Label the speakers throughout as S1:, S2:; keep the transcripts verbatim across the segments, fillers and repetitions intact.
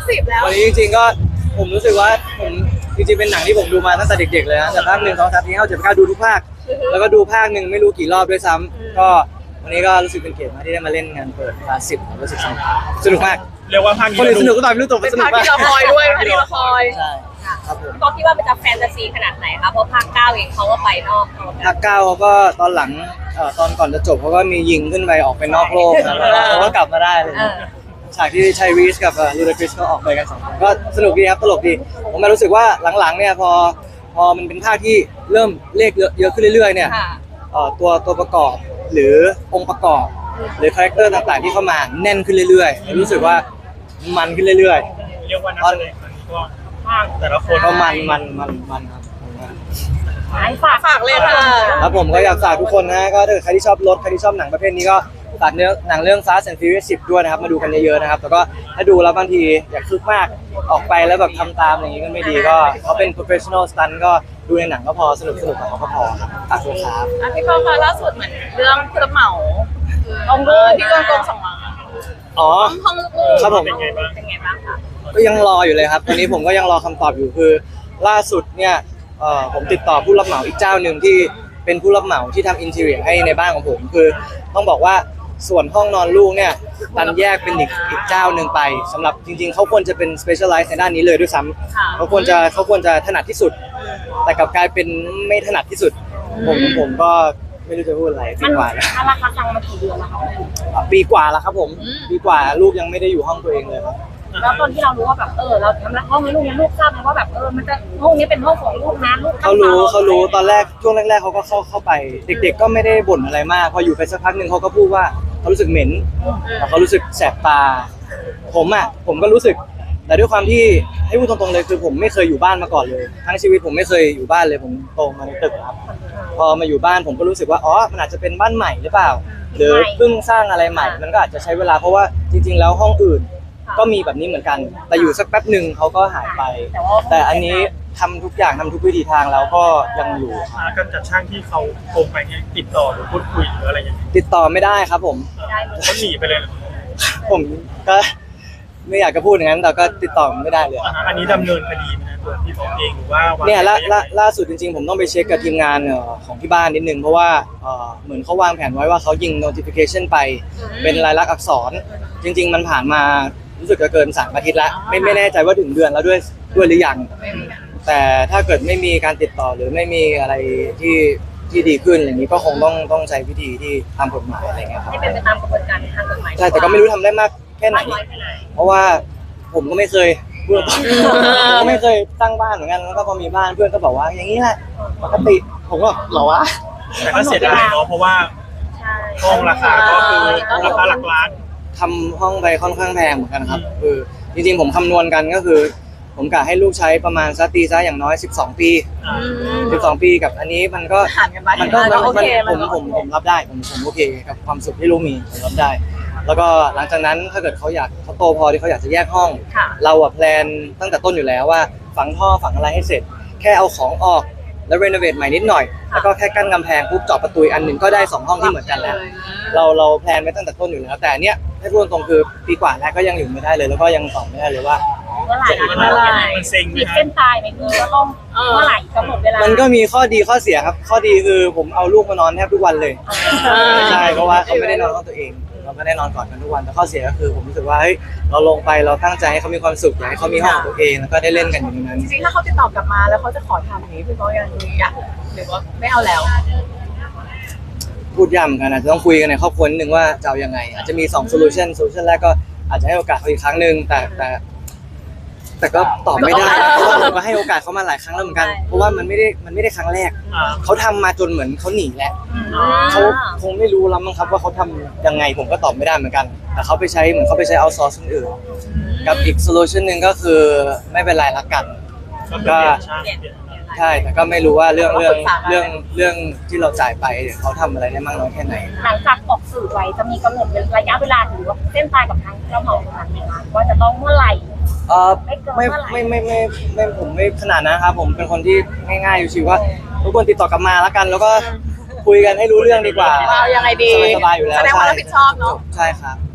S1: สิบแล้ว
S2: วันนี้จริงๆก็ผมรู้สึกว่าผมจริงๆเป็นหนังที่ผมดูมาตั้งแต่เด็กๆเลยนะแต่ภาคหนึ่งสองสามสี่ห้าเจ็ดแปดเก้าดูทุกภาคแล้วก็ดูภาคหนึ่งไม่รู้กี่รอบด้วยซ้ำก็วันนี้ก็รู้สึกเป็นเกียรติมากที่ได้มาเล่นงานเปิดคลาสสิบรู้สึกสนุกสนุกมาก
S3: เรียกว่าภาคนี้
S2: คนอื่นสนุกก็ตามไม่รู้ตัว
S1: เป็น
S2: สนุก
S1: ภาค
S2: มาก
S1: ที่เราคอยด้วยภาคที่เราคอย
S2: ใช่ครับผม
S4: พี่บอกคิดว่ามันจะแฟนตาซีขนาดไหนคะเพราะภาคเก้าเองเขาก็ไปนอก
S2: ภาคเก้าเขาก็ตอนหลังเอ่อตอนก่อนจะจบเขาก็มียิงขึ้นไปออกไปนอกโลกนะแล้วเขาก็กลับมาได้เลยฉากที่ไชรีสกับลูดาคริสก็ออกไปกันสองคนก็สนุกดีครับตลกดีผมมารู้สึกว่าหลังๆเนี่ยพอพอมันเป็นภาคที่เริ่มเลขเยอะขึ้นเรื่อยๆเนี่ยตัวตัวประกอบหรือองค์ประกอบหรือคาแรคเตอร์ต่างๆที่เข้ามาแน่นขึ้นเรื่อยๆรู้สึกว่ามันขึ้นเรื่อย
S3: ๆเรียกว่านักแสดงครั้งนี้ก็ภาคแต่ละคน
S2: ก็มันมันมันมันครับ
S4: ฝาก
S1: ฝากเลยค่ะ
S2: แล้วผมก็อยากฝากทุกคนนะก็ถ้าเกิดใครที่ชอบรถใครที่ชอบหนังประเภทนี้ก็ฝากเนื้อหนังเรื่อง Fast and Furious สิบด้วยนะครับมาดูกันเยอะๆนะครับแล้วก็ถ้าดูแล้วบางทีอยากคึกมากออกไปแล้วแบบทำตามอย่างนี้ก็ไม่ดีก็เขาเป็น professional stunt ก็ดูในหนังก็พอสนุกสนุกกับเขาก็พอครับฝากด้วยครับ
S1: พี่กองคะล่าสุดเหมือนเรื่องผู้รับเหมาองค์ลูกที่โดนโกงสองล้าน
S2: อ๋อ
S1: ห้องลูก
S2: ครับผม
S4: เป็นไงบ้างคะ
S2: ก็ยังรออยู่เลยครับตอนนี้ผมก็ยังรอคำตอบอยู่คือล่าสุดเนี่ยเอ่อผมติดต่อผู้รับเหมาอีกเจ้าหนึ่งที่เป็นผู้รับเหมาที่ทำอินทีเรียให้ในบ้านของผมคือต้องบอกว่าส่วนห้องนอนลูกเนี่ยตันแยกเป็นอีกอีกเจ้าหนึ่งไปสำหรับจริงๆเขาควรจะเป็น specialize ในด้านนี้เลยด้วยซ้ำเขาควรจะเขาควรจะถนัดที่สุดแต่กลับกลายเป็นไม่ถนัดที่สุดผมผมก็ไม่รู้จะพูดอะไรปีกว่าแล้ว
S4: ราคาตังมากี่เดือนแล้วคะ
S2: ปีกว่าแล้วครับผมปีกว่าลูกยังไม่ได้อยู่ห้องตัวเองเลยครับ
S4: แล้วตอนที่เรารู้ว่าแบบเออเราทำห้องให้ลูกเนี่ยลูกทราบไหมว่าแบบเออมันจะห้องนี้เป็นห้องของลูกนะลูก
S2: เขารู้เขารู้ตอนแรกช่วงแรกๆเขาก็เข้าเข้าไปเด็กๆก็ไม่ได้บ่นอะไรมากพออยู่ไปสักพักหนึ่งเขาก็พูดว่าเขารู้สึกเหม็นเขารู้สึกแสบตาผมอ่ะผมก็รู้สึกแต่ด้วยความที่ให้พูดตรงๆเลยคือผมไม่เคยอยู่บ้านมาก่อนเลยทั้งชีวิตผมไม่เคยอยู่บ้านเลยผมโตมาในตึกครับพอมาอยู่บ้านผมก็รู้สึกว่าอ๋อมันอาจจะเป็นบ้านใหม่หรือเปล่าหรือเพิ่งสร้างอะไรใหม่มันก็อาจจะใช้เวลาเพราะว่าจริงๆแล้วห้องอื่นก็มีแบบนี้เหมือนกันแต่อยู่สักแป๊บหนึ่งเขาก็หายไปแต่อันนี้ทำทุกอย่างทำทุกวิธีทางแล้วก็ยังอยู่
S3: การจัดช่างที่เขาโทรไปเนี่ยติดต่อหรือพูดคุยหรืออะไรอย่างเงี้ย
S2: ติดต่อไม่ได้ครับผม
S3: เขาหนีไปเลย
S2: ผมก็ไม่อยากจะพูดอย่างนั้นแต่ก็ติดต่อไม่ได้เลย
S3: อันนี้ดำเนินคดีนะตัวพี่บอกเองหรือว่า
S2: เนี่ยล่าล่าล่าสุดจริงๆผมต้องไปเช็คกับทีมงานของที่บ้านนิดนึงเพราะว่าเหมือนเขาวางแผนไว้ว่าเขายิง notification ไปเป็นลายลักษณ์อักษรจริงๆมันผ่านมารู้สึกจะเกินสามอาทิตย์แล้วไม่ไม่แน่ใจว่าถึงเดือนแล้วด้วยด้วยหรือยังแต่ถ้าเกิดไม่มีการติดต่อหรือไม่มีอะไรที่ที่ดีขึ้นอย่างนี้ก็คงต้องต้องใช้วิธีที่ตามกฎหมายอะไรเงี้ยครับ
S4: ให้เป็นไปตามกระบวนการทางกฎหมาย
S2: ใช่แต่ก็ไม่รู้ทำได้มากแค่ไหนเพราะว่าผมก็ไม่เคยพูดผมก็ไม่เคยตั้งบ้านเหมือนกันแล้วก็พอมีบ้านเพื่อนก็บอกว่าอย่างนี้แหละปกติผมก็หรอวะ
S3: แต่ก็เสียดายเนาะเพราะว่าห้องราคาก็คือราคาหลักล้าน
S2: ทำห้องไปค่อนข้างแพงเหมือนกันครับคือจริงๆผมคำนวณกันก็คือผมกะให้ลูกใช้ประมาณสักตีซะอย่างน้อยสิบสองปีสิบสองปีกับอันนี้มันก็มันก็มันผมผมผมรับได้ผมผมโอเคกับความสุขที่ลูกมีผมรับได้แล้วก็หลังจากนั้นถ้าเกิดเขาอยากเขาโตพอที่เขาอยากจะแยกห้องเราอะแพลนตั้งแต่ต้นอยู่แล้วว่าฝังท่อฝังอะไรให้เสร็จแค่เอาของออกแล้วรีโนเวทใหม่นิดหน่อยแล้วก็แค่กั้นกำแพงปุ๊บเจาะประตูอันหนึ่งก็ได้สองห้องที่เหมือนกันแล้วเราเราแพลนไว้ตั้งแต่ต้นอยู่แล้วแต่เนี้ยให้พูดตรงคือปีกว่าแล้วก็ยังอยู่ไม่ได้เลยแล้วก็ยังตอบไม่ได้เลยว่า
S4: เมื่อไหร่เมื่อไหร่ขีดเส้นตายไหมคือว่าต้องเมื่อไหร่กำหนดเวลา
S2: มันก็มีข้อดีข้อเสียครับข้อดีคือผมเอาลูกมานอนแทบทุกวันเลยใช่เพราะว่าเขาไม่ได้นอนห้องตัวเองเราไม่ได้นอนกอดกันทุกวันแต่ข้อเสียก็คือผมรู้สึกว่าเฮ้ยเราลงไปเราตั้งใจให้เขามีความสุขอยากให้เขามีห้องของตัวเองแล้วก็ได้เล่นกันอยู่ในนั้น
S1: จริงๆถ้าเขาติดต่อกลับมาแล้วเขาจะขอทำอย่างนี้พี่เขายังอยากหรือว่าไม่เอาแล้ว
S2: พูดย้ำกันอาจจะต้องคุยกันในครอบครัวนิดนึงว่าจะเอายังไงอาจจะมีสองโซลูชันโซลูชันแรกก็อาจจะให้โอกาสเขาอีกครั้งหนึ่งแต่แต่แต่ก็ตอบไม่ได้เพราะว่าผมก็ให้โอกาสเขามาหลายครั้งแล้วเหมือนกันเพราะว่ามันไม่ได้มันไม่ได้ครั้งแรกเขาทำมาจนเหมือนเขาหนีแหละเขาคงไม่รู้แล้วมั้งครับว่าเขาทำยังไงผมก็ตอบไม่ได้เหมือนกันแต่เขาไปใช้เหมือนเขาไปใช้เอาซอร์สคนอื่นกับอีกโซลูชันหนึ่งก็คือไม่เป็นไรละกันก็ใช่แต่ก็ไม่รู้ว่าเรื่องเรื่องเรื่องเรื่องที่เราจ่ายไปเดี๋ยวเขาทำอะไรได้มากน้อยแค่ไหน
S4: หลังจากออกสื่อไว้จะมีกำหนดระยะเวลาหรือว่าเส้นตายกับทางเจ้าของร้านไหมคะว่าจะต้องเมื่อไหร่
S2: เออไม่ไม่ไม่ไม่ไม่ผมไม่ขนาดนะครับผมเป็นคนที่ง่ายๆอยู่ชิวว่าทุกคนติดต่อกลับมาแล้วกันแล้วก็คุยกันให้รู้เรื่องดีกว่า
S1: เอายังไงดี
S2: สบายๆอยู่แล้ว
S1: แสดงว่ารับผิดชอบเนาะ
S2: ใช่ครับ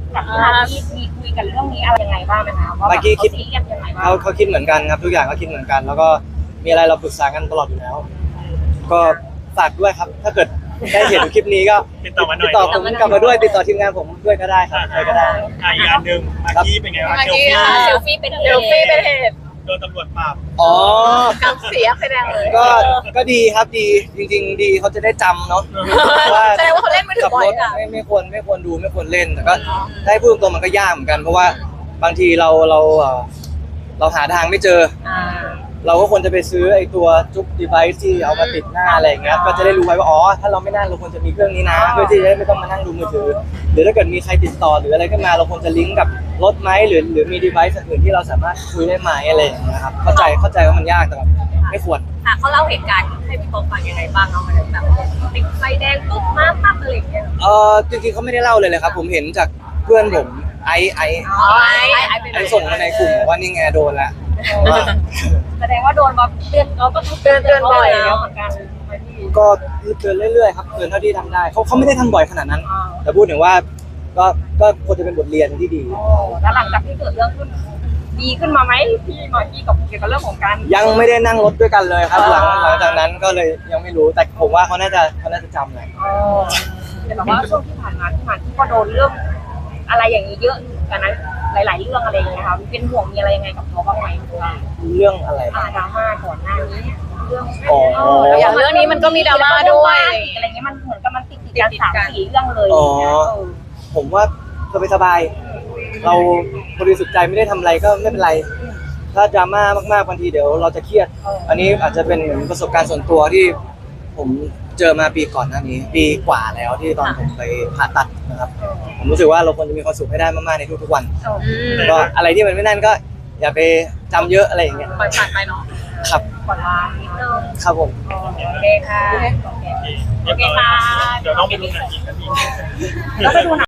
S4: กับที่มาที่มีคุยกันเรื่องนี้อะไรยังไงบ้างไหมคะว่าแบบ
S2: เมื่อกี้คิด
S4: เขาซีเรียสยังไงบ้าง
S2: เขาเขาคิดเหมือนกันครับทุกอย่างก็คิดเหมือนกัน แล้วก็มีอะไรเราปรึกษากันตลอดอยู่แล้ว ก็ฝากด้วยครับ ถ้าเกิดได้เห็นคลิปนี้ก็
S3: ติดต่อมาหน่
S2: ติ
S3: อ
S2: ด
S3: ย
S2: ต่อผมกลับมาด้วยติดต่อทีมงานผมด้วยก็ได้ครับใครก็ได้
S3: อ่ะอีกอันหนึ่งมากกี้เป็นไงบ้าง
S1: มาก
S3: เซล
S1: กี้
S3: ฟี่
S1: ค่ะ
S4: เซลฟี่เป็นเหตุ
S1: เซลฟี่เป็นเหตุ
S3: โดนตำรวจปราบ
S2: อ๋อ
S1: กำเสียไฟแดงเลย
S2: ก็ก็ดีครับดีจริง ๆ ดีเขาจะได้จำเนาะว่า
S1: แสดงว่าเขาเล่นมือถื
S2: ขั
S1: อบ บ่อ
S2: ร
S1: ย
S2: ถ
S1: ค่ะ
S2: ไม่ไม่ควรไม่ควรดูไม่ควรเล่นแต่ก็ถ้าให้พูดตรงๆมันก็ยากเหมือนกัน เพราะว่าบางทีเราเราเอ่อเราหาทางไม่เจอ
S4: อ่า
S2: เราก็ควรจะไปซื้อไอ้ตัวจุ๊บ device ที่เอามาติดหน้าอะไรอย่างเงี้ยก็จะได้รู้ไว้ว่าอ๋อถ้าเราไม่นั่งเราควรจะมีเครื่องนี้นะเพื่อที่จะได้ไม่ต้องมานั่งดูมือถือ หรือถ้าเกิดมีใครติดต่อหรืออะไรขึ้นมาเราควรจะลิงก์กับรถไหมหรือหรือมี device อื่นที่เราสามารถคุยได้ไหมอะไรอย่างเงี้ยครับเข้าใจเข้าใจว่ามันยากแต่แบบไม่ควร
S4: ค่ะเขาเล่าเหตุการณ์ให้พี่โป๊ปฟังยังไงบ้างเอามาแบบติดไฟแดงปุ๊บมาปั๊บอะไรอย่างเงี้ย
S2: เออจริงๆเขาไม่ได้เล่าเลยเลยครับ ผมเห็นจากเพื่อนผมไอไอ
S4: อ๋อไอ้ไอ้เป็น
S2: ไอส่งมาในกลุ่มบอกว่านี่ไงโดนละว่า
S4: แสดงว่าโดนมาเตือนเราก็ต้องเตือนเตือนบ่อยแล้วเหมือนกันไหมพี่
S2: ก็เตือนเรื่อยๆครับเตือนเท่าที่ทำได้เขาเขาไม่ได้ทำบ่อยขนาดนั้น
S4: อ่า
S2: แต่พูดถึงว่าก็ก็ควรจะเป็นบทเรียนที่ดี
S4: โอ้แล้วหลังจากที่เกิดเรื่องขึ้นดีขึ้นมาไหมพี่หมอกี้กับเกี่ยวกับเรื่องของการ
S2: ยังไม่ได้นั่งรถด้วยกันเลยครับ หลัง
S4: อ่า
S2: หลังจากนั้นก็เลยยังไม่รู้แต่ผมว่าเขาน่าจะเขาน่าจะจำแหละ
S4: อ๋อแต่แบบว่าช่วงที่ผ่านมาที่มาที่ก็โดนเรื่องอะไรอย่างนี้เยอะกันนะหลาย ๆ เรื่องอะไรอย่างเงี้ยค่ะเป็นห่วงมีอะไรยังไงกับเขาบ้างไหม
S2: เรื่องอะไร
S4: อ่าดราม่าก่อนหน้านี้เรื่อง
S2: อ๋อ
S1: อย่างเรื่องนี้มันก็มีดราม่าด้วย
S4: อะไรเงี้ยมันเหมือนกับมันติดติดกันสามสี่เรื่องเลย
S2: อ๋อ
S4: อย่างเงี้ยเออ
S2: ผมว่าสบายๆเราบริสุทธิ์ใจไม่ได้ทำอะไรก็ไม่เป็นไร ถ้าดราม่ามากๆบางทีเดี๋ยวเราจะเครียด อันนี้อาจจะเป็นเหมือนประสบการณ์ส่วนตัวที่ผมเจอมาปีก่อนหน้านี้ ปีกว่าแล้วที่ตอนผมไปผ่าตัดนะครับ ผมรู้สึกว่าเราควรจะมีความสุขให้ได้มากๆในทุกๆวัน
S1: อืม
S2: ก็อะไรที่มันไม่นั่นก็อย่าไปจำเยอะอะไรอย่างเงี้ย
S1: ปล่อยผ่านไปเนาะ
S2: ครับ
S4: ก่อนลานิดนึง
S2: ครับผม
S4: โอเคค่ะโอเค
S3: เรียบร้อยเดี๋ยวต้องไปดูหนังอีกนาที
S4: แล้วไปดูหนัง